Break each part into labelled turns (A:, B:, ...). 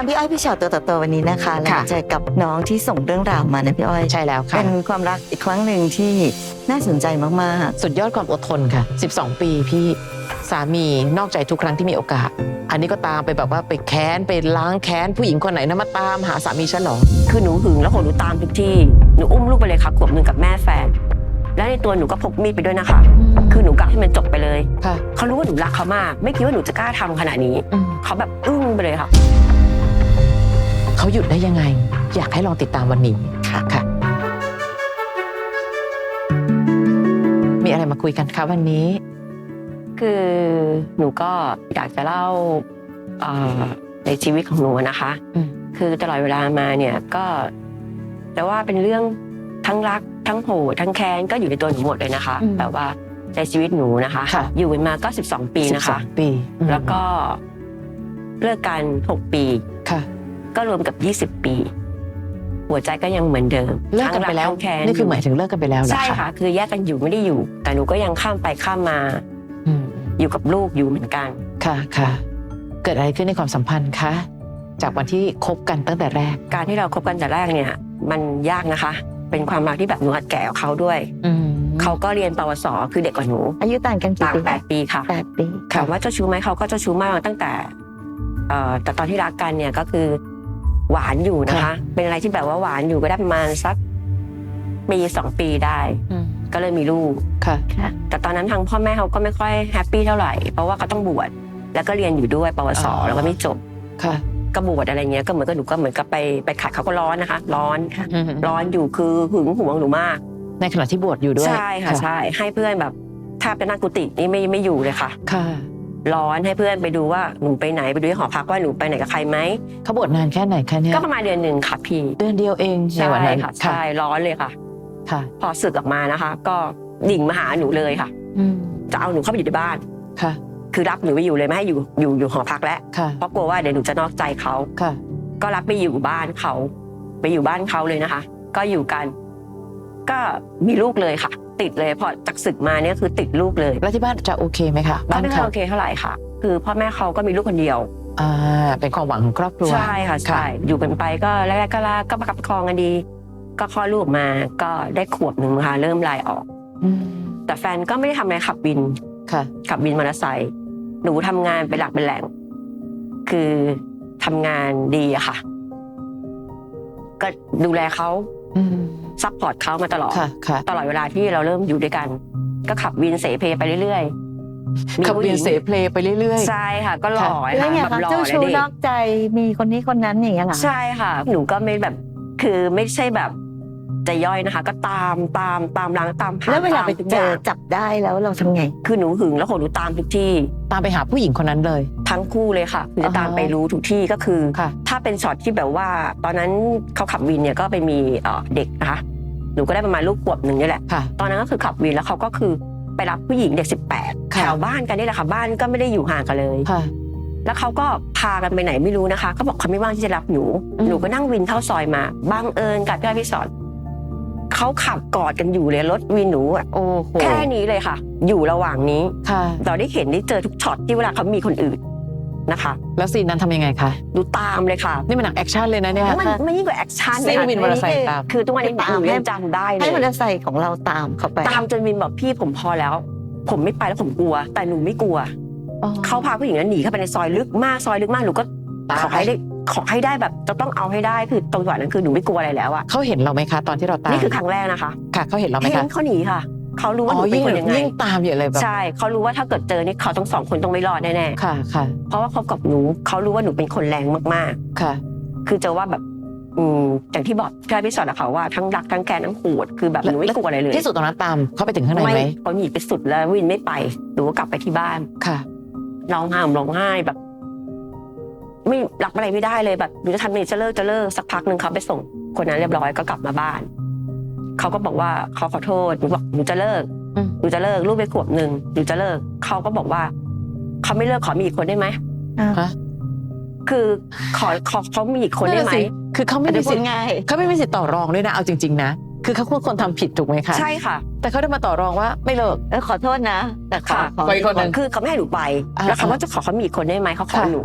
A: พี่อ้อยพี่ชอตตัวต่อตัววันนี้นะคะเราเจอกับน้องที่ส่งเรื่องราวมานะพี่อ้อย
B: ใช่แล้วค่ะ
A: เป็นความรักอีกครั้งหนึ่งที่น่าสนใจมาก
B: สุดยอดความอดทนค่ะ12 ปีพี่สามีนอกใจทุกครั้งที่มีโอกาสอันนี้ก็ตามไปแบบว่าไปแค้นไปล้างแค้นผู้หญิงคนไหนนะมาตามหาสามีฉันหรอ
C: คือหนูหึงแล้วหนูตามทุกที่หนูอุ้มลูกไปเลยค่ะขวบหนึ่งกับแม่แฟนและในตัวหนูก็พกมีดไปด้วยนะคะคือหนูกะให้มันจบไปเลยเขารู้ว่าหนูรักเขามากไม่คิดว่าหนูจะกล้าทำขนาดนี้เขาแบบอึ้งไปเลยค่ะ
B: เขาหยุดได้ยังไงอยากให้ลองติดตามวันนี้ค่ะมีอะไรมาคุยกันคะวันนี้
C: คือหนูก็อยากจะเล่าในชีวิตของหนูนะคะคือตลอดเวลามาเนี่ยก็แต่ว่าเป็นเรื่องทั้งรักทั้งโหดทั้งแค้นก็อยู่ในตัวหนูหมดเลยนะคะแต่ว่าในชีวิตหนูนะคะอยู่มาก็12 ปีนะคะแล้วก็เลิกกัน6 ปีก็รวมกับ20 ปีหัวใจก็ยังเหมือนเดิม
B: เลิกกันไปแล้วนี่คือหมายถึงเลิกกันไปแล้วเหรอคะ
C: ใช่ค่ะคือแยกกันอยู่ไม่ได้อยู่แต่หนูก็ยังข้ามไปข้ามมาอยู่กับลูกอยู่เหมือนกัน
B: ค่ะเกิดอะไรขึ้นในความสัมพันธ์คะจากวันที่คบกันตั้งแต่แรก
C: การที่เราคบกันแต่แรกเนี่ยมันยากนะคะเป็นความรักที่แบบหนูอัดแก่กับเขาด้วยเขาก็เรียนปวสคือเด็กกว่าหนู
A: อายุต่างกันกี่ปี
C: 8 ปีค่ะ
A: 8 ปี
C: ถามว่าเจ้าชู้ไหมเขาก็เจ้าชู้มากตั้งแต่แต่ตอนที่รักกันเนี่ยก็คือหวานอยู่นะคะเป็นอะไรที่แบบว่าหวานอยู่ก็ได้ประมาณสักปี2 ปีได้ก็เลยมีลูกแต่ตอนนั้นทางพ่อแม่เขาก็ไม่ค่อยแฮปปี้เท่าไหร่เพราะว่าเขาต้องบวชแล้วก็เรียนอยู่ด้วยปวสแล้วก็ไม่จบก็บวชอะไรเงี้ยก็เหมือนกับหนูก็เหมือนกับไปขัดเขาก็ร้อนนะคะร้อนอยู่คือหึงหวงหนูมาก
B: ในขณะที่บวชอยู่ด้วย
C: ใช่ค่ะใช่ให้เพื่อนแบบแทบจะนั่งกุฏินี่ไม่อยู่เลยค่ะร้อนให้เพื่อนไปดูว่าหนูไปไหนไปดูที่หอพักว่าหนูไปไหนกับใครไหม
B: เขาบวชนานแค่ไหนคะเนี่ย
C: ก็ประมาณเดือนหนึ่งค่ะพี่
B: เดือนเดียวเองในวันนั้น
C: ค่ะใช่ร้อนเลยค่ะพอสึกออกมานะคะก็ดิ่งมาหาหนูเลยค่ะจะเอาหนูเข้าไปอยู่ในบ้านคือรับหนูไปอยู่เลยไม่ให้อยู่หอพักแล้วเพราะกลัวว่าเดี๋ยวหนูจะนอกใจเขาก็รับไปอยู่บ้านเขาไปอยู่บ้านเขาเลยนะคะก็อยู่กันก็มีลูกเลยค่ะติดเลยพอจากศึกมาเนี่ยคือติดลูกเลย
B: แล้วที่บ้านจะโอเคไหมคะ
C: บ้านไม่โอเคเท่าไหร่ค่ะคือพ่อแม่เขาก็มีลูกคนเดียว
B: เป็นความหวังของครอบครัว
C: ใช่ค่ะใช่อยู่กันไปก็แรกๆก็ประคับประคองกันดีก็คลอดลูกมาก็ได้ขวบหนึ่งค่ะเริ่มลายออกแต่แฟนก็ไม่ได้ทำอะไรขับวินขับวินมอเตอร์ไซค์หนูทำงานเป็นหลักเป็นแหล่งคือทำงานดีอะค่ะก็ดูแลเขาซัพพอร์ตเขามาตลอดเวลาที่เราเริ่มอยู่ด้วยกันก็ขับวินเสเพไปเรื่อย
B: ๆขับวินเสเพไปเรื่อย
C: ๆใช่ค่ะก็หล่อ
A: แล้วไงคะเจ้าชู้นอกใจมีคนนี้คนนั้นอย่างเงี้ยเหรอ
C: ใช่ค่ะหนูก็ไม่แบบคือไม่ใช่แบบจะย่อยนะคะก็ตามล้างตามหา
A: แล้วเวลาไปเจอจับได้แล้วเราทำไง
C: คือหนูหึงแล้วหนูตามทุกที่
B: ตามไปหาผู้หญิงคนนั้นเลย
C: ทั้งคู่เลยค่ะคือจะตามไปรู้ทุกที่ก็คือถ้าเป็นช็อตที่แบบว่าตอนนั้นเขาขับวินเนี่ยก็ไปมีเด็กนะคะหนูก็ได้ประมาณลูกขวบหนึ่งนี่แหละตอนนั้นก็คือขับวินแล้วเขาก็คือไปรับผู้หญิงเด็ก18แถวบ้านกันนี่แหละค่ะบ้านก็ไม่ได้อยู่ห่างกันเลยแล้วเขาก็พากันไปไหนไม่รู้นะคะก็บอกเขาไม่ว่างที่จะรับหนูก็นั่งวินเข้าซอยมาบังเอิญกับพี่อ้อยพี่สอนเขาขับกอดกันอยู่เลยรถวินหนูแค่นี้เลยค่ะอยู่ระหว่างนี้เราได้เห็นได้เจอทุกช็อตที่เวลาเขามีคนอื่นนะคะ
B: แล้วซีนนั้นทำยังไงคะ
C: ดูตามเลยค่ะ
B: นี่มันหนังแอคชั่นเลยนะเนี่ย
C: มันยิ่งกว่าแอคชั่น
B: เลยวินมอเตอร์ไซค์ตาม
C: คือทุกวันนี้หนูยังจำได้เลย
A: ให้มอเตอร์ไซค์ของเราตามเขาไป
C: ตามจนวินบอกพี่ผมพอแล้วผมไม่ไปแล้วผมกลัวแต่หนูไม่กลัวเขาพาผู้หญิงนั้นหนีเข้าไปในซอยลึกมากหนูก็ขอให้ได้แบบจะต้องเอาให้ได้คือตรงจังหวะนั้นคือหนูไม่กลัวอะไรแล้วอะ
B: เขาเห็นเราไหมคะตอนที่เราตาม
C: นี่คือครั้งแรกนะคะ
B: ค่ะเขาเห็นเราไหมคะ
C: เขาหนีค่ะเขารู้ว่าหนูเป็นคนยังไง
B: ยิ่งตามอยู่เลยแบบ
C: ใช่เขารู้ว่าถ้าเกิดเจอนี่เขาต้อง2 คนต้องไม่รอดแน่
B: ๆค่ะ
C: เพราะว่าเขากับหนูเขารู้ว่าหนูเป็นคนแรงมาก
B: ๆค่ะ
C: คือจะว่าแบบอย่างที่บอกพี่สอนเขาว่าทั้งรักทั้งแค้นทั้งโหดคือแบบหนูไม่กลัวอะไรเลย
B: ที่สุดตอนนั้นตามเขาไปถึงข้างในไหม
C: เขาหนีไปสุดแล้ววินไม่ไปหนูก็กลับไปที่บ้าน
B: ค่ะ
C: ร้องไห้แบบไม่รับอะไรไม่ได้เลยแบบหนูจะทำยังไงจะเลิกสักพักหนึ่งเขาไปส่งคนนั้นเรียบร้อยก็กลับมาบ้านเขาก็บอกว่าเขาขอโทษหนูบอกหนูจะเลิกลูกไปขวบหนึ่งหนูจะเลิกเขาก็บอกว่าเขาไม่เลิกขอมีอีกคนได้ไหมคือเขามีอีกคนได้ไหม
B: คือเขาไม่มีสิทธิ์ต่อรองด้วยนะเอาจริงๆนะคือเขาควรทำผิดถูกไหมคะ
C: ใช่ค่ะ
B: แต่เขาได้มาต่อรองว่าไม่เลิก
A: ขอโทษนะแต่
C: ขอคนนึงคือเขาไม่ให้หนูไปแล้วเขาว่าจะขอเขามีอีกคนได้ไหมเขาขอหนู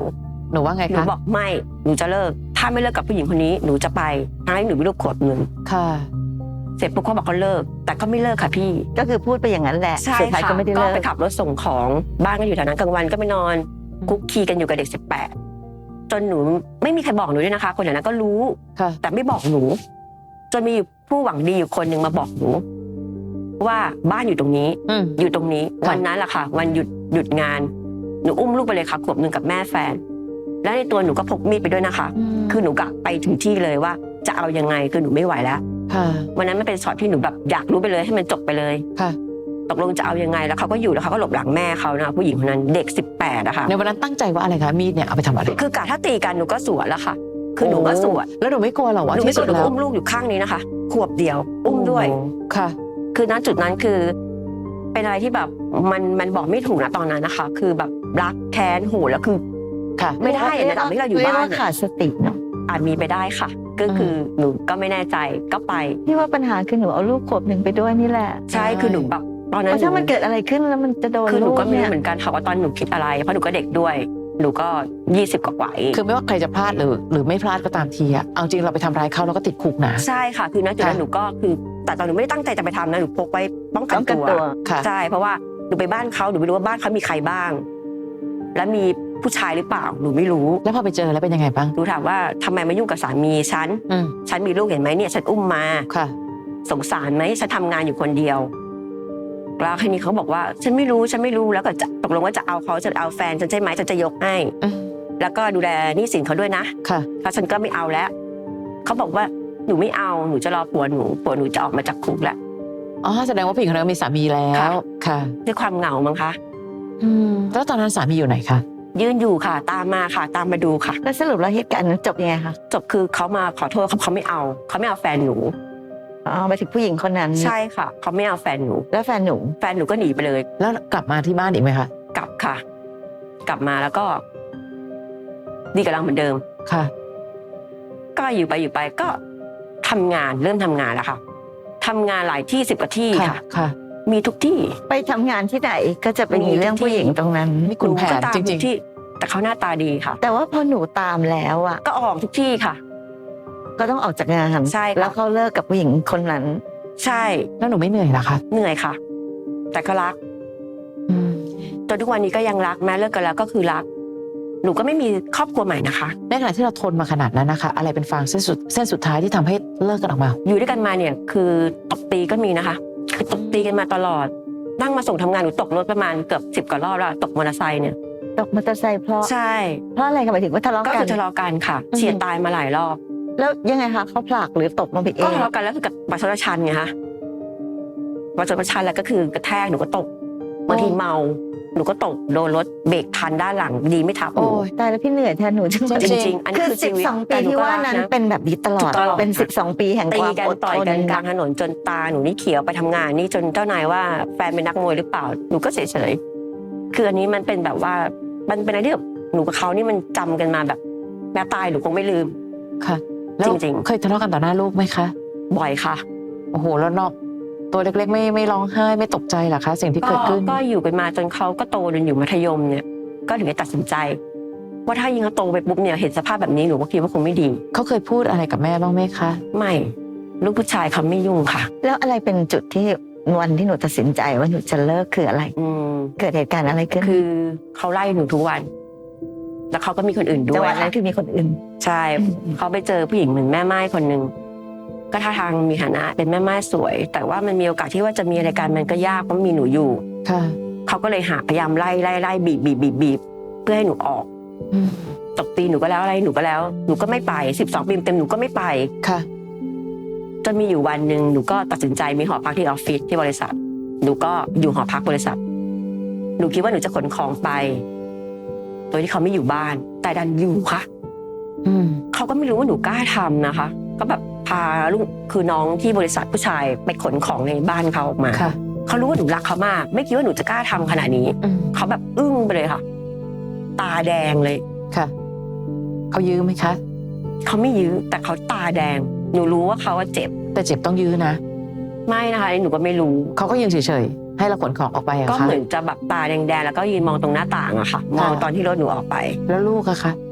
B: หนูว่าไง
C: หนู
B: คะ
C: บอกไม่หนูจะเลิกถ้าไม่เลิกกับผู้หญิงคนนี้หนูจะไปทั้งที่หนูมีลูกขวบหนึ่ง
B: ค่ะ
C: เสร็จปุ๊บเขาบอกเขาเลิกแต่ก็ไม่เลิกค่ะพี่
A: ก็คือพูดไปอย่างนั้นแหละ
C: ใช่
A: สุดท้าย
C: ค่ะ
A: ก็ไม่ได้
C: ก็
A: เลิก
C: ไปขับรถส่งของบ้านก็อยู่แถวนั้นกลางวันก็ไปนอนคุกคีกันอยู่กับเด็ก18จนหนูไม่มีใครบอกหนูด้วยนะคะ คนแถวนั้นก็รู้
B: ค่ะ
C: แต่ไม่บอกหนูจนมีผู้หวังดีอยู่คนหนึ่งมาบอกหนูว่าบ้านอยู่ตรงนี้
B: อืม
C: อยู่ตรงนี้
B: ค่ะ
C: วันนั้นแหละค่ะ วันหยุดงานหนูอุ้มลูกไปเลยค่ะขวบหนึ่งกับแม่แฟน แล้วในตัวหนูก็พกมีดไปด้วยนะคะ คือหนูกะไปถึงที่เลยว่าจะเอายังไงคือหนูไม่ไหวแล้ว
B: ค่ะ
C: วันนั้นมันเป็นช็อตที่หนูแบบอยากรู้ไปเลยให้มันจบไปเลย
B: ค่ะ
C: ตกลงจะเอายังไงแล้วเขาก็อยู่แล้วเขาก็หลบหลังแม่เขานะผู้หญิงคนนั้นเด็ก18อะค่ะ
B: ในวันนั้นตั้งใจว่าอะไรคะมีดเนี่ยเอาไปทำอะไร
C: คือกะถ้าตีกันหนูก็สวนแล้วค่ะ คือหนูก็สวน
B: แล้วหนูไม่กลัวเหรอว่า
C: หนูไม่
B: ที่
C: ก
B: สุ
C: ลั
B: ด
C: วหนู
B: แล้ว
C: อุ้มลูกอยู่ข้างนี้นะคะขวบเดียวอุ้มด้วย
B: โอ้ค่ะ
C: คือณจุดนั้นคือ เป็นอะไรที่แบบมันบอกไม่ถูกนะตอนนั้นนะคะ คือแบบรักแค้นโหแล้วคือ
B: ค่ะ
C: ไม่ได้อะในระดับที่เราอยู่บ้าน
A: เรีกว่ขาดสติเนาะ
C: อาจมีไปได้ค่ะ ก็คือหนูก็ไม่แน่ใจก็ไป
A: พี่ว่าปัญหาคือหนูเอาลูกขวบหนึ่งไปด้วยนี่แหละ
C: ใช่คือหนูแบบตอน
A: เพ
C: นั้น
A: ราะถ้ามันเกิดอะไรขึ้นแล้วมันจะโดน
C: คือหนู
A: ลูก
C: ก็ไม่
A: เนี่
C: รู้
A: ย
C: เหมือนกันค่ะว่าตอนหนูคิดอะไรเพราะหนูก็เด็กด้วย หนูก็20กว่าๆเอง
B: คือไม่ว่าใครจะพลาดหรือไม่พลาดก็ตามทีอะเอาจริงเราไปทำร้ายเขาเราก็ติดคุกนะ
C: ใช่ค่ะคือณจุดนั้น
B: ค่ะ
C: หนูก็คือแต่ตอนหนูไม่ได้ตั้งใจจะไปทำนะหนูพกไว้ป้องกัน
A: ป้องกัน
C: ตัว
A: ตัว
B: ค่ะ
C: ใช่เพราะว่าหนูไปบ้านเขาหนูไม่รู้ว่าบ้านเขามีใครบ้าง และมีผู้ชายหรือเปล่าหนูไม่รู้
B: แล้วพอไปเจอแล้วเป็นยังไงบ้าง
C: หนูถามว่าทำไมมายุ่งกับสามีฉัน
B: อืม
C: ฉันมีลูกเห็นไหมเนี่ยฉันอุ้มมา
B: ค่ะ
C: สงสารไหมฉันทำงานอยู่คนเดียวแล้วทีนี้เขาบอกว่าฉันไม่รู้แล้วก็จะตกลงว่าจะเอาเขาจะเอาแฟนฉันใช่ไหมฉันจะยกให้
B: อืม
C: แล้วก็ดูแลหนี้สินเขาด้วยนะ
B: ค่ะ
C: แล้วฉันก็ไม่เอาแล้วเขาบอกว่าหนูไม่เอาหนูจะรอผัวหนูจะออกมาจากคุกแล้ว
B: อ๋อแสดงว่าผู้หญิงคนนั้นมีสามีแล้ว
C: ค่ะ
B: ค่ะ
C: ด้วยความเหงามั้งคะ
B: แล้วตอนนั้นสามีอยู่ไหนคะ
C: ยืนอยู่ค่ะ ตามมาค่ะ ตามมาดูค่ะ
A: แล้วสรุปแล้วเหตุการณ์นั้นจบยังไงคะ
C: จบคือเขามาขอโทษเขาไม่เอาแฟนหนู
A: อ๋อไปถึงผู้หญิงคนนั้น
C: ใช่ค่ะเขาไม่เอาแฟนหนู
A: แล้วแฟนหนู
C: แฟนหนูก็หนีไปเลย
B: แล้วกลับมาที่บ้านอีกไหมคะ
C: กลับค่ะ กลับมาแล้วก็ดีกับเราเหมือนเดิม
B: ค่ะ
C: ก็อยู่ไปก็ทำงานเริ่มทำงานแล้วค่ะทำงานหลายที่10 กว่าที่ค่ะ
B: ค่ะ
C: มีทุกที่
A: ไปทำงานที่ไหนก็จะไปมีเรื่องผู้หญิงตรงนั้น
B: มีคุณแผ
C: ก็
B: น
C: ตาม
B: จ
C: ทุ
B: ริง
C: กที่ แต่เขาหน้าตาดีค่ะ
A: แต่ว่าพอหนูตามแล้วอ่ะ
C: ก็ออกทุกที่ค่ะ
A: ก็ต้องออกจากงาน
C: ใช่ค่ะ
A: แล้วเขาเลิกกับผู้หญิงคนนั้น
C: ใช่
B: ๆ แล้วหนูไม่เหนื่อยเหรอคะ
C: เหนื่อยค่ะ แต่ก็รัก
B: อืม
C: จนทุกวันนี้ก็ยังรักแม้เลิกกันแล้วก็คือรัก หนูก็ไม่มีครอบครัวใหม่นะคะ
B: ในขณะที่เราทนมาขนาดนั้นนะคะ อะไรเป็นฟางเส้นสุดท้ายที่ทำให้เลิกกันออกมา
C: อยู่ด้วยกันมาเนี่ยคือตบตีก็มีนะคะ คือตบตีกันมาตลอด นั่งมาส่งทำงานหนูตกรถประมาณเกือบ10 กว่ารอบแล้วตกมอเตอร์ไซค์เนี่ย
A: ตกมอเตอร์ไซค์เพราะ
C: ใช่
A: เพราะอะไรกันหมายถึงว่าทะเลาะ
C: ก็
A: กั
C: คื
A: น
C: อทะเลาะกันค่ะ
B: อืม
C: เฉียดตายมาหลายรอบ
A: แล้วยังไงคะเขาผลักหรือตบมาไปเอ
C: ก็
A: ง
C: ทะเลาะกันแล้วคือกับบัตรชนชันไงคะบัตรชนชันแล้วก็คือกระแทกหนูก็ตกบางทีเมาหนูก็ตกโดนรถเบรกทันด้านหลังดีไม่ทับห
B: โอ้
C: นู
B: ย
A: ตายแล้วพี่เหนื่อยแทนหนูจังเลย
C: จริงๆอันนี้
A: คือ
C: คือชีวิต
A: 12
C: แต่
A: ปี
C: หนู
A: ที่
C: ก็
A: ว่า
C: รัก
A: นั้น
C: นะ
A: เป็นแบบนี้ตลอด
C: ตลอด
A: เป็น12 ปีแห่ง
C: ตี
A: ความ
C: กัน
A: อด
C: ต่อย
A: ทน
C: กันกลางถนนจนตาหนูนี่เขียวไปทำงานนี่จนเจ้านายว่าแฟนเป็นนักมวยหรือเปล่าหนูก็เฉยๆคืออันนี้มันเป็นแบบว่ามันเป็นอะไรที่แบบหนูกับเขานี่มันจำกันมาแบบแม้ตายหนูคงไม่ลืม
B: ค่ะ แล้ว
C: จริงๆ
B: เคยทะเลาะกันต่อหน้าลูกไหมคะ
C: บ่อยค่ะ
B: โอ้โห แล้วนอกตัวเล็กๆไม่ร้องไห้ไม่ตกใจเหรอคะ สิ่งที่เกิดขึ้น
C: ก็อยู่กันมาจนเขาก็โตจนอยู่มัธยมเนี่ย ก็ถึงได้ตัดสินใจ ว่าถ้ายิงเขาโตไปปุ๊บเนี่ยเห็นสภาพแบบนี้หนูก็คิดว่าคงไม่ดี
B: เขาเคยพูดอะไรกับแม่บ้างไหมคะ
C: ไม่ลูกผู้ชายเขาไม่ยุ่งค่ะ
A: แล้วอะไรเป็นจุดที่วันที่หนูตัดสินใจว่าหนูจะเลิกคืออะไร
C: อืม
A: เกิดเหตุการณ์อะไรขึ้น
C: คือเขาไล่หนูทุกวัน แล้วเขาก็มีคนอื่นด้
A: จัง
C: ว
A: ห
C: ย
A: วะนั้นคือมีคนอื่น
C: ใช่ เขาไปเจอผู้หญิงเหมือนแม่ไม้คนหนึ่งก็ท่าทางมีฐานะเป็นแม่ไม้สวย แต่ว่ามันมีโอกาสที่ว่าจะมีอะไรกันมันก็ยากเพราะมีหนูอยู่
B: ค่ะ
C: เขาก็เลยพยายามไล่บีบเพื่อให้หนูออก
B: อืม
C: ตบตีหนูก็แล้วอะไรหนูก็แล้วหนูก็ไม่ไป12 ปีเต็มหนูก็ไม่ไป
B: ค่ะ
C: จนมีอยู่วันหนึ่งหนูก็ตัดสินใจมีหอพักที่ออฟฟิศที่บริษัทหนูก็อยู่หอพักบริษัทหนูคิดว่าหนูจะขนของไปโดยที่เขาไม่อยู่บ้านแต่ดันอยู่ค่ะ
B: อืม
C: เขาก็ไม่รู้ว่าหนูกล้าทำนะคะ ก็แบบพาลูกคือน้องที่บริษัทผู้ชายไปขนของในบ้านเขาออกมา
B: ค่ะ
C: เขารู้ว่าหนูรักเขามาก ไม่คิดว่าหนูจะกล้าทำขนาดนี้
B: อืม
C: เขาแบบอึ้งไปเลยค่ะ ตาแดงเลย
B: ค่ะ เขายื้อไหมคะ
C: เขาไม่ยื้อแต่เขาตาแดง หนูรู้ว่าเขาว่าเจ็บ
B: แต่เจ็บต้องยื้อนะ
C: ไม่นะคะหนูก็ไม่รู้
B: เขาก็ยืนเฉยๆ ให้เราขนของออกไปอะ
C: ก็
B: คะ
C: เหมือนจะแบบตาแดงๆแล้วก็ยืนมองตรงหน้าต่างอะค่ะ มองตอนที่รถหนูออกไป
B: แล้วลูกอะคะ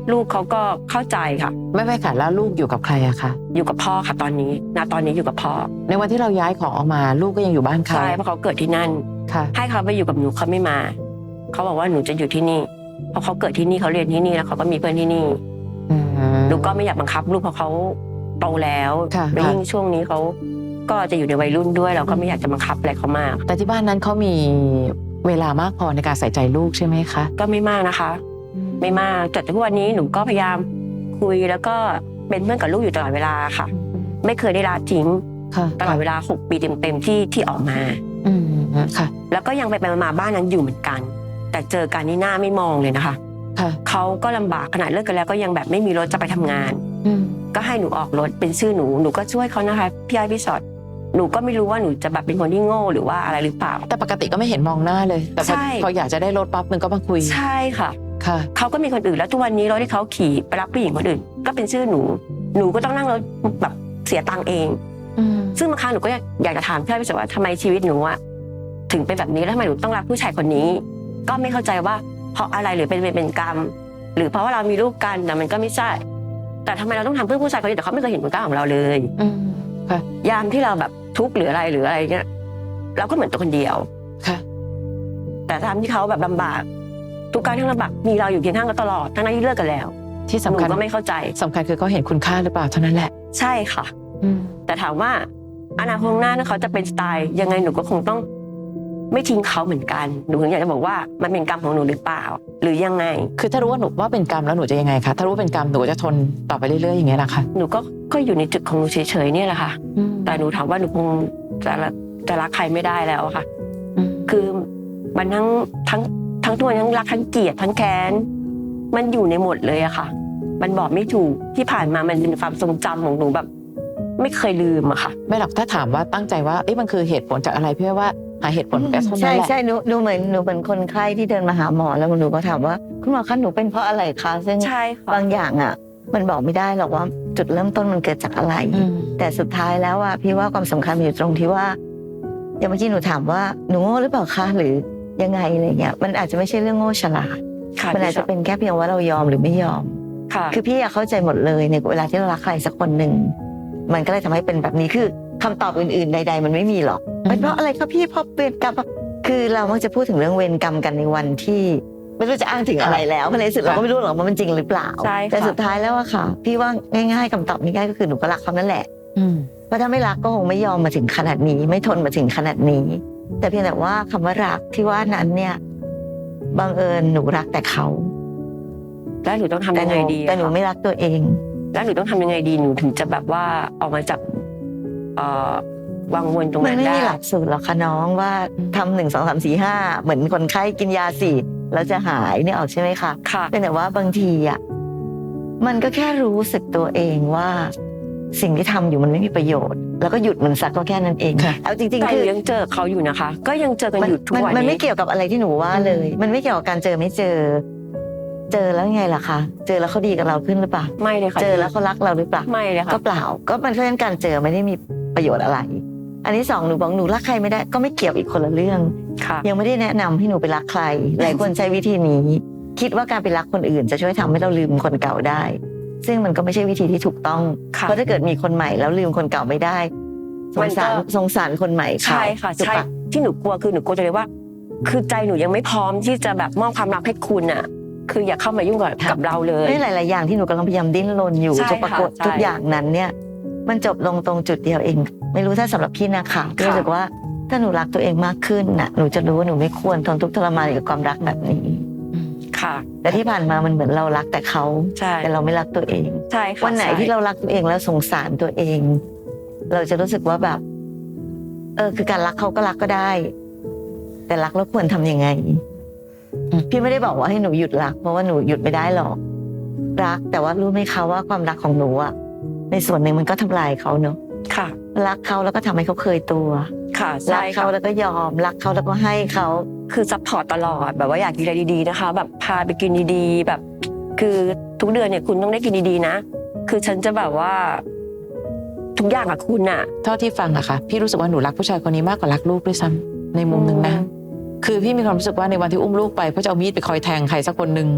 C: ลูกเขาก็เข้าใจค่ะ
B: ไม่ค่ะแล้วลูกอยู่กับใครอะคะ
C: อยู่กับพ่อค่ะตอนนี้ตอนนี้อยู่กับพ่อ
B: ในวันที่เราย้ายของออกมาลูกก็ยังอยู่บ้านเขา
C: ใช่เพราะเขาเกิดที่นั่น
B: ค่ะ
C: ให้เขาไปอยู่กับหนูเขาไม่มาเขาบอกว่าหนูจะอยู่ที่นี่เพราะเขาเกิดที่นี่เขาเรียนที่นี่แล้วเขาก็มีเพื่อนที่นี่ หนูก็ไม่อยากบังคับลูกเพราะเขาโตแล้ว
B: ค่ะ
C: แล้วยิ่งช่วงนี้เขาก็จะอยู่ในวัยรุ่นด้วยเราก็ไม่อยากจะบังคับอะไรเขามาก
B: แต่ที่บ้านนั้นเขามีเวลามากพอในการใส่ใจลูกใช่ไหมคะ
C: ก็ไม่มากนะคะ ไม่มากจนทุกวันนี้หนูก็พยายามคุยแล้วก็เป็นเพื่อนกับลูกอยู่ตลอดเวลาค่ะ ไม่เคยได้ละทิ้ง
B: ค่ะ
C: ตลอดเวลา6 ปีเต็มๆที่ออกมา
B: ค่ะ
C: แล้วก็ยังไปมาบ้านนั้นอยู่เหมือนกัน แต่เจอกันนี่หน้าไม่มองเลยนะคะ
B: ค่ะ
C: เขาก็ลำบากขนาดเลิกกันแล้วก็ยังแบบไม่มีรถจะไปทำงาน ก็ให้หนูออกรถเป็นชื่อหนูก็ช่วยเขานะคะพี่อ้อยพี่ชอตหนูก็ไม่รู้ว่าหนูจะแบบเป็นคนที่โง่หรือว่าอะไรหรือเปล่า
B: แต่ปกติก็ไม่เห็นมองหน้าเลยแต่
C: ใช่
B: พออยากจะได้รถปั๊บมันก็มาคุย
C: ใช่ค่ะ
B: ค่ะ
C: เขาก็มีคนอื่นแล้วทุกวันนี้รถที่เขาขี่ไปรับผู้หญิงคนอื่นก็เป็นชื่อหนูก็ต้องนั่งรถแบบเสียตังค์เอง ซึ่งบางครั้งหนูก็อยากจะถามพี่อ้อยพี่ชอตว่าทำไมชีวิตหนูอะถึงเป็นแบบนี้แล้วทำไมหนูต้องรักผู้ชายคนนี้ ก็ไม่เข้าใจว่าเพราะอะไรหรือเป็นกรรม หรือเพราะว่าเรามีลูกกันแต่มันก็ไม่ใช่ แต่ทำไมเราต้องทำเพื่อผู้ชายคนนี้แต่เขาไม่เคยเห็นคุณค่าของเราเลย
B: ค่ะ
C: ยามที่เราแบบทุกข์หรืออะไรเงี้ยเราก็เหมือนตัวคนเดียว
B: ค่ะ
C: แต่ตามที่เขาแบบลำบากทุกการที่ลำบากมีเราอยู่เคียงข้างกันตลอดทั้งที่เลิกกันแล้ว
B: ที่
C: ห
B: สำ
C: นู
B: คัญ
C: ก็ไม่เข้าใจ
B: สำคัญคือเขาเห็นคุณค่าหรือเปล่าเท่านั้นแหละ
C: ใช่ค่ะ แต่ถามว่าอนาคตข้างหน้าเขาจะเป็นสไตล์ยังไงหนูก็คงต้องไม่ทิ้งเขาเหมือนกันหนูถึงอยากจะบอกว่ามันเป็นกรรมของหนูหรือเปล่า หรือยังไง
B: คือถ้ารู้ว่าหนูว่าเป็นกรรมแล้วหนูจะยังไงคะถ้ารู้ว่าเป็นกรรมหนูจะทนต่อไปเรื่อยๆอย่างเงี้ยนะคะ
C: หนูก็อยู่ในจุดของหนูเฉยๆเนี่ยแหละค่ะ แต่หนูถามว่าหนูคงจะรักใครไม่ได้แล้วค่ะ คือมันทั้งตัวทั้งรักทั้งเกลียดทั้งแค้นมันอยู่ในหมดเลยอะค่ะ มันบอกไม่ถูกที่ผ่านมามันเป็นความทรงจำของหนูแบบ ไม่เคยลืมอะค่ะ
B: ไม่หรอกถ้าถามว่าตั้งใจว่าเอ๊ะมันคือเหตุผลจากอะไรพี่ว่าหาเหตุผลแค่เท่านั้น
A: ใช่
B: แหละ
A: ใช่หนูเหมือนคนไข้ที่เดินมาหาหมอแล้วหนูก็ถามว่าคุณหมอคะหนูเป็นเพราะอะไรคะซึ่ง
C: ใช่ค่ะ
A: บางอย่างอ่ะ มันบอกไม่ได้หรอกว่าจุดเริ่มต้นมันเกิดจากอะไร แต่สุดท้ายแล้วอ่ะพี่ว่าความสำคัญมันอยู่ตรงที่ว่าอย่างเมื่อกี้หนูถามว่าหนูโง่หรือเปล่าคะหรือยังไงอะไรเงี้ยมันอาจจะไม่ใช่เรื่องโง่ฉลาด
C: ค่ะ
A: มันอาจจะเป็นแค่เพียงว่าเรายอมหรือไม่ยอม
C: ค่ะ
A: คือพี่อะเข้าใจหมดเลยในเวลาที่เรารักใครสักคนหนึ่งมันก็เลยทำให้เป็นแบบนี้คือคำตอบอื่นๆใดๆมันไม่มีหรอกเป็นเพราะอะไรคะพี่เพราะเวรกรรมคือเรามักจะพูดถึงเรื่องเวรกรรมกันในวันที่ไม่รู้จะอ้างถึงอะไรแล้วเพราะในสุดเราก็ไม่รู้หรอกว่ามันจริงหรือเปล่า
C: ใช่ค่ะ
A: แต่สุดท้ายแล้วอะค่ะ พี่ว่าง่ายๆคำตอบง่ายๆก็คือหนูก็รักเขานั่นแหละเพราะถ้าไม่รักก็คงไม่ยอมมาถึงขนาดนี้ไม่ทนมาถึงขนาดนี้ แต่เพียงแต่ว่าคำว่ารักที่ว่านั้นเนี่ยบังเอิญหนูรักแต่เขา
C: แล้วหนูต้องทำยังไงดี
A: แต่หนูไม่รักตัวเอง
C: แล้วหนูต้องทำยังไงดีหนูถึงจะแบบว่าออกมาจากวังวนตรง
A: มัน
C: นั้น
A: ไม่
C: ได้
A: มีหลักสูตรหรอกค่ะน้องว่าทำ1 2 3 4 5เหมือนคนไข้กินยา4แล้วจะหายเนี่ยออกใช่ไหมคะ
C: ค่ะ
A: เป็นแต่ว่าบางทีอ่ะมันก็แค่รู้สึกตัวเองว่าสิ่งที่ทำอยู่มันไม่มีประโยชน์ แล้วก็หยุดมันสักก็แค่นั้นเอง
B: ค่ะ
A: เอาจริง
C: แต่
A: ๆคือ
C: ยังเจอเขาอยู่นะคะ ก็ยังเจอกันอยู่ทุกวัน
A: มัน
C: นี้
A: ไม่เกี่ยวกับอะไรที่หนูว่าเลย มันไม่เกี่ยวกับการเจอไม่เจอ เจอแล้วไงล่ะคะเจอแล้วเขาดีกับเราขึ้นหรือเปล่า
C: ไม่เลยค่ะ
A: เจอแล้วเขารักเราหรือเปล่า
C: ไม่เลยค่ะ
A: ก็เปล่าก็มันเพราะฉะนั้นการเจอไม่ได้มีประโยชน์อะไร อันที่สองหนูบอกหนูรักใครไม่ได้ก็ไม่เกี่ยวอีกคนละเรื่อง
C: ค่ะ
A: ยังไม่ได้แนะนำให้หนูไปรักใคร หลายคนใช้วิธีนี้ คิดว่าการไปรักคนอื่นจะช่วยทำให้เราลืมคนเก่าได้ ซึ่งมันก็ไม่ใช่วิธีที่ถูกต้อง
C: ค่ะ
A: เพราะถ้าเกิดมีคนใหม่แล้วลืมคนเก่าไม่ได้สงสาร
C: มันก็
A: สงสารคนใหม่เขา
C: ใช่ค่ะ
A: ถูก
C: ใช่
A: ปะ
C: ที่หนูกลัวคือหนูกลัวจะเลยว่า คือใจหนูยังไม่พร้อมที่จะแบบมอบความรักให้คุณอ่ะ คืออย่าเข้ามายุ่งกับเราเลย
A: ไม่หลาย ๆ อย่างที่หนูกำลังพยายามดิ้นรนอยู่
C: ใช่
A: จะปรากฏ
C: ค่ะใช่
A: ทุกอย่างนั้นเนี่ยมันจบลงตรงจุดเดียวเอง ไม่รู้ถ้าสำหรับพี่นะคะพี่รู้สึกว่าถ้าหนูรักตัวเองมากขึ้นน่ะหนูจะรู้ว่าหนูไม่ควรทนทุกข์ทรมานกับความรักแบบนี้
C: ค่ะ
A: แต่ที่ผ่านมามันเหมือนเรารักแต่เขา
C: ใช่
A: แต่เราไม่รักตัวเอง
C: ใช่ค่ะ
A: วันไหนที่เรารักตัวเองแล้วสงสารตัวเอง เราจะรู้สึกว่าแบบ คือการรักเขาก็รักก็ได้ แต่รักแล้วควรทำยังไง พี่ไม่ได้บอกว่าให้หนูหยุดรักเพราะว่าหนูหยุดไม่ได้หรอก รักแต่ว่ารู้ไหมคะว่าความรักของหนูอะในส่วนหนึ่งมันก็ทำลายเขาเนอะ
C: ค่ะ
A: รักเขาแล้วก็ทำให้เขาเคยตัว
C: ค่ะ
A: รั
C: ใช่
A: กเขา
C: ค่ะ
A: แล้วก็ยอมรักเขาแล้วก็ให้เขา
C: คือซัพพอร์ตตลอดแบบว่าอยากกินอะไรดีๆนะคะ แบบพาไปกินดีๆ แบบ คือทุกเดือนเนี่ยคุณต้องได้กินดีๆนะคือฉันจะแบบว่า ทุกอย่างกับคุณน่ะ
B: เท่าที่ฟังอะค่ะพี่รู้สึกว่าหนูรักผู้ชายคนนี้มากกว่ารักลูกด้วยซ้ำในมุมหนึ่งนะคือพี่มีความรู้สึกว่าในวันที่อุ้มลูกไปเพราะจะเอามีดไปคอยแทงใครสักคนหนึ่ง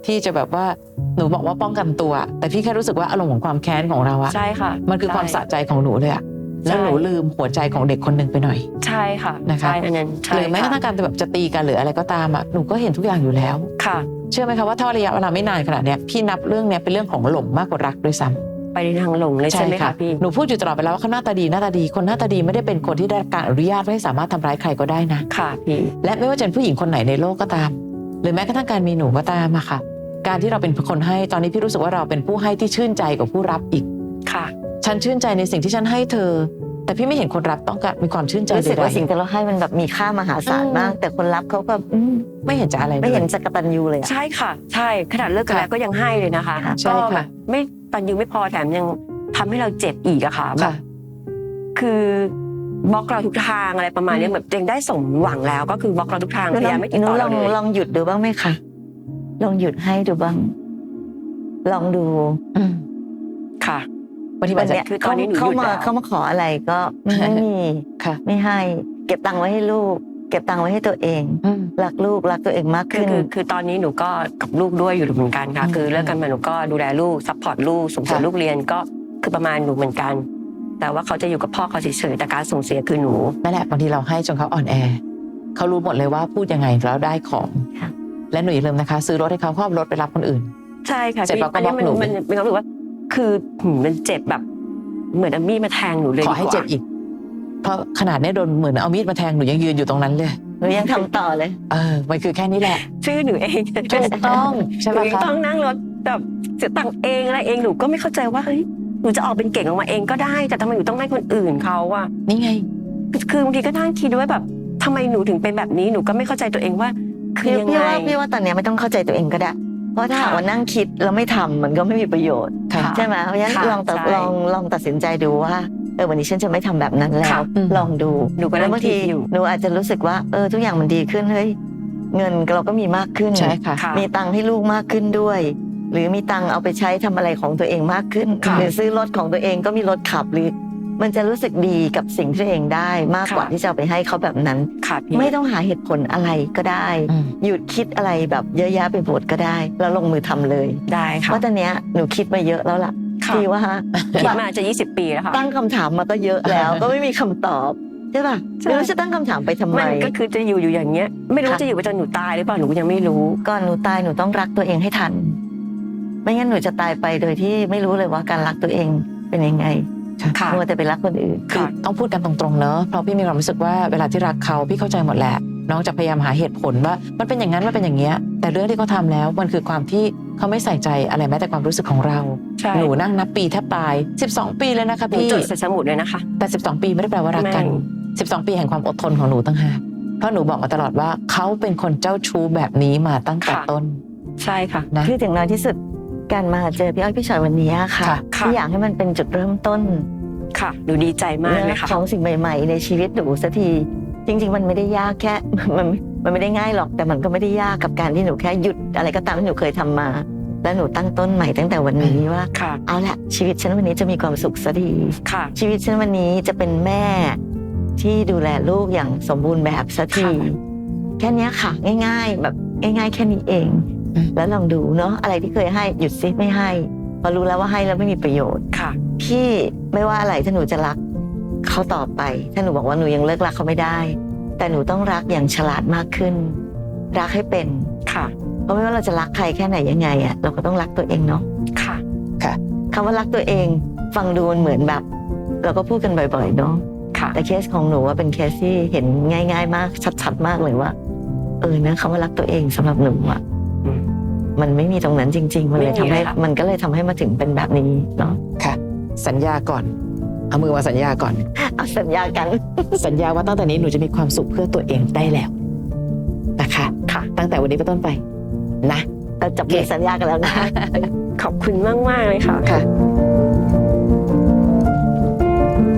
B: ที่จะแบบว่าหนูบอกว่าป้องกันตัว แต่พี่แค่รู้สึกว่าอารมณ์ของความแค้นของเราอะ
C: ใช่ค่ะ
B: มันคือความสะใจของหนูเลยอะแล้วหนูลืมหัวใจของเด็กคนหนึ่งไปหน่อย
C: ใช่ค่ะ
B: นะคะ
C: ใช่อันนั้นใช่
B: หรือแม้กระทั่งการแบบจะตีกันหรืออะไรก็ตามอะหนูก็เห็นทุกอย่างอยู่แล้ว
C: ค่ะ
B: เชื่อไหมคะว่าถ้าระยะเวลาไม่นานขนาดเนี้ยพี่นับเรื่องเนี้ยเป็นเรื่องของหลงมากกว่ารักด้วยซ้ำ
C: ไปในทางหลงเลยใช่ไหมคะพี่
B: หนูพูดอยู่ตลอดไปแล้วว่าเขาหน้าตาดีหน้าตาดีคนหน้าตาดีไม่ได้เป็นคนที่ได้รับการอนุญาตให้สามารถทำร้ายใครก็ได้นะ
C: ค่ะพี่
B: และไม่ว่าจะเป็นผู้หญิงคนไหนในโลกก็ตาม หรือแม้กระทั่งการมีหนูก็ตามอะค่ะ การที่เราเป็นคนให้ตอนนี้พี่รู้สึกว่าเราเป็นผู้ให้ที่ชื่นใจกว่าผู้รับอีก
C: ค่ะ
B: ฉันชื่นใจในสิ่งที่ฉันให้เธอ แต่พี่ไม่เห็นคนรับต้องการมีความชื่นใจ
A: รู้สึกว่า
B: ใด
A: สิ่งที่เราให้มันแบบมีค่ามหาศาลมาก แต่คนรับเขาก็
B: ๆไม่เห็นจะอะไรเลย
A: ไม่เห็นจะกตัญญูเลยอะ
C: ใช่ค่ะ ใช่ขนาดเลิกกันแล้วก็ยังให้เลยนะคะ
A: ค่ะ
B: ใช่
C: ก็
B: ค่ะ
C: แบบไม่ตันยูไม่พอแถมยังทำให้เราเจ็บอีกอะค่ะแบบ
B: ค่ะ
C: คือบล็อกเราทุกทางอะไรประมาณนี้แบบยังได้สมหวังแล้วก็คือบล็อกเราทุกทางพยายามไม่ติด
A: หนู
C: ต่อ
A: ล
C: เรา
A: อง
C: เลย
A: ลองหยุดดูบ้างไหมคะลองหยุดให้ดูบ้าง ลองดู
B: อืม
C: ค่ะ
B: บางที
A: วั
B: มัน นจะ
A: เนี้ย
C: คือตอนนี้หนูหยุด
A: เข้ามา
C: แล้ว
A: เข้ามาขออะไรก็ไม่มี
B: ค่ะ
A: ไม่ให้ เก็บตังค์ไว้ให้ลูก เก็บตังค์ไว้ให้ตัวเอง
B: อืม
A: รักลูกรักตัวเองมาก
C: คือ
A: ขึ้น
C: คือตอนนี้หนูก็กับลูกด้วยอยู่เหมือนกันค่ะ
B: อืม
C: คือเลิกกันมาหนูก็ดูแลลูกซัพพอร์ตลูกส่งเสริม
B: ค่ะ
C: ลูกเรียนก็คือประมาณหนูเหมือนกัน แต่ว่าเขาจะอยู่กับพ่อเขาเฉยๆแต่การส่งเสียคือหนู
B: นั่นแหละบางทีเราให้จนเขาอ่อนแอเขารู้หมดเลยว่าพูดยังไงแล้วได้ของ
A: ค่ะ
B: และหนูอย่าลืมนะคะ ซื้อรถให้เขาเขาเอารถไปรับคนอื่น
C: ใช่ค่ะ
B: เสร็จแล้วก็
C: อันนี้
B: บล็อกหนู
C: มันมีความรู้สึกว่า คือมันเจ็บแบบเหมือนเอามีดมาแทงหนูเลย
B: ขอให้เจ็บอีก เพราะขนาดเนี้ยโดนเหมือนเอามีดมาแทงหนูยังยืนอยู่ตรงนั้นเลย
A: หนูยังทำต่อเลย
B: มันคือแค่นี้แหละ
C: ชื่อหนูเอง
B: ถูกต้องใช่
C: ห
B: ไหม
C: นูยัง
B: คะ
C: ต้องนั่งรถแบบเสียตังค์เองอะไรเองหนูก็ไม่เข้าใจว่าเฮ้ยหนูจะออกเป็นเก่งออกมาเองก็ได้ แต่ทำไมหนูต้องให้คนอื่นเขาอะ
B: นี่ไง
C: คือบางทีก็นั่งคิดว่าแบบทำไมหนูถึงเป็นแบบนี้หนูก็ไม่เข้าใจตัวเองว่า คือยังไง
A: พี่ว่าตอนเนี้ยไม่ต้องเข้าใจตัวเองก็ได้ เพราะถ้าหากว่านั่งคิดแล้วไม่ทำมันก็ไม่มีประโยชน์
B: ค่ะ
A: ใช่ไหมเพราะฉะนั้น
C: ค่ะ
A: ลอง
C: ใช่
A: ลองตัดสินใจดูว่าวันนี้ฉันจะไม่ทำแบบนั้นแล้
C: ค่ะ
A: ว
B: อืม
A: ลองดู
C: หนูก็นั่
A: แล้ว
C: ง
A: บาง
C: คิ
A: ที
C: ดอยู่
A: หนูอาจจะรู้สึกว่าทุกอย่างมันดีขึ้นเฮ้ยเงินเราก็มีมากขึ้น
B: ใช่ค่ะ
C: ค่ะ
A: มีตังค์ให้ลูกมากขึ้นด้วย หรือมีตังค์เอาไปใช้ทำอะไรของตัวเองมากขึ้น
C: ค่ะ
A: หรือซื้อรถของตัวเองก็มีรถขับหรือ มันจะรู้สึกดีกับสิ่งที่ตัวเองได้มากกว่า
C: ค่ะ
A: ที่จะเอาไปให้เขาแบบนั้น
C: ค่ะพี่
A: ไม่ต้องหาเหตุผลอะไรก็ได้
B: อืม
A: หยุดคิดอะไรแบบเยอะแยะไปหมดก็ได้ แล้วลงมือทำเลย
C: ได้
A: เพ
C: ค่ะ
A: ราะตอนเนี้ยหนูคิดมาเยอะแล้วล่ะ
C: ค่ะ
A: ที่ว่า
C: คิดมาจะ20 ปีแล้วค่ะ
A: ตั้งคำถามมาก็เยอะแล้ว ก็ไม่มีคำตอบใช่ป่ะ
C: ใช่
A: ไม่รู้จะตั้งคำถามไปทำไม
C: มันก็คือจะอยู่อย่างเงี้ย ไม่รู้
A: ค่ะ
C: จะอยู่ไปจนหนูตายหรือเปล่าหนูก็ยังไม่รู้
A: ก่อนหนูตายหนูต้องรักตัวเองให้ทัน ไม่งั้นหนูจะตายไปโดยที่ไม่รู้เลยว่าการรักตัวเองเป็นยังไง
C: ค่ะ
A: มัวแต่ไปรักคนอื่น
B: คือต้องพูดกันตรงๆเนอะเพราะพี่มีความรู้สึกว่าเวลาที่รักเขาพี่เข้าใจหมดแหละ น้องจะพยายามหาเหตุผลว่ามันเป็นอย่างนั้นมันเป็นอย่างเงี้ย แต่เรื่องที่เขาทำแล้วมันคือความที่เขาไม่ใส่ใจอะไรแม้แต่ความรู้สึกของเรา
C: ใช่
B: หนูนั่งนับปีแทบตาย 12 ปีเลยนะคะ
C: หนู
B: พี่
C: จดใส่สมุดเลยนะคะ
B: แต่ 12 ปีไม่ได้แปลว่ารักกัน
C: ไม่
B: 12 ปีแห่งความอดทนของหนูตั้งหากเพราะหนูบอกมาตลอดว่าเขาเป็นคนเจ้าชู้แบบนี้มาตั้งแต่ต้น
C: ใช่ค่ะ
B: นะ
A: คือถึงน้อยที่สุดการมาเจอพี่อ้อยพี่ชอยวันนี้ค่ะ
B: ค่ะ
C: ค่ะ
A: ที่อยากให้มันเป็นจุดเริ่มต้น
C: ค่ะหนูดีใจมากเลยค่ะ
A: ของสิ่งใหม่ ๆ ในชีวิตหนูสักทีจริง ๆ มันไม่ได้ยากแค่ มันไม่ได้ง่ายหรอกแต่มันก็ไม่ได้ยากกับการที่หนูแค่หยุดอะไรก็ตามที่หนูเคยทำมา แล้วหนูตั้งต้นใหม่ตั้งแต่วันนี้ว่า
C: ค่ะ
A: เอาละชีวิตฉันวันนี้จะมีความสุขสักที
C: ค่ะ
A: ชีวิตฉันวันนี้จะเป็นแม่ที่ดูแลลูกอย่างสมบูรณ์แบบสักที
C: ค่ะ
A: แค่เนี้ยค่ะ ง่าย ๆ แบบง่ายๆแค่นี้เอง
B: อืม
A: แล้วลองดูเนาะอะไรที่เคยให้หยุดซิไม่ให้พอรู้แล้วว่าให้แล้วไม่มีประโยชน์
C: ค่ะ
A: พี่ไม่ว่าอะไรถ้าหนูจะรักเขาต่อไป ถ้าหนูบอกว่าหนูยังเลิกรักเขาไม่ได้ แต่หนูต้องรักอย่างฉลาดมากขึ้น รักให้เป็น
C: ค่ะ
A: เพราะไม่ว่าเราจะรักใครแค่ไหนยังไงอะเราก็ต้องรักตัวเองเนาะ
C: ค่ะ
A: คำว่ารักตัวเองฟังดูมันเหมือนแบบ เราก็พูดกันบ่อยๆเนาะ
C: ค่ะ
A: แต่เคสของหนูว่าเป็นเคสที่เห็นง่าย ๆ มากชัดๆมากเลยว่านะคำว่ารักตัวเองสำหรับหนูอะ
C: อืม
A: มันไม่มีตรงนั้นจริง ๆ มันเลย
C: ไม่มี
A: ทำให้
C: เลยค่ะ
A: มันก็เลยทำให้มาถึงเป็นแบบนี้เนาะ
B: ค่ะ สัญญาก่อนเอามือมาสัญญาก่อน
A: เอาสัญญากัน
B: สัญญาว่าตั้งแต่นี้หนูจะมีความสุขเพื่อตัวเองได้แล้วนะคะ
C: ค่ะ
B: ตั้งแต่วันนี้เป็นต้นไปนะ
A: เราจับมือสัญญากันแล้วนะ
C: ขอบคุณมากๆเลยค่ะ
B: ค่ะ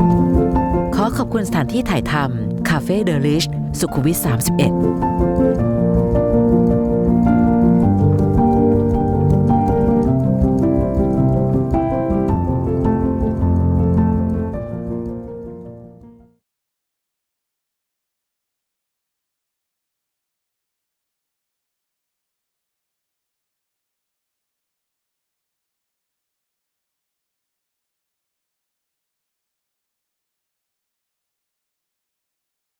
D: ขอขอบคุณสถานที่ถ่ายทำ Cafe The Lish สุขุมวิท 31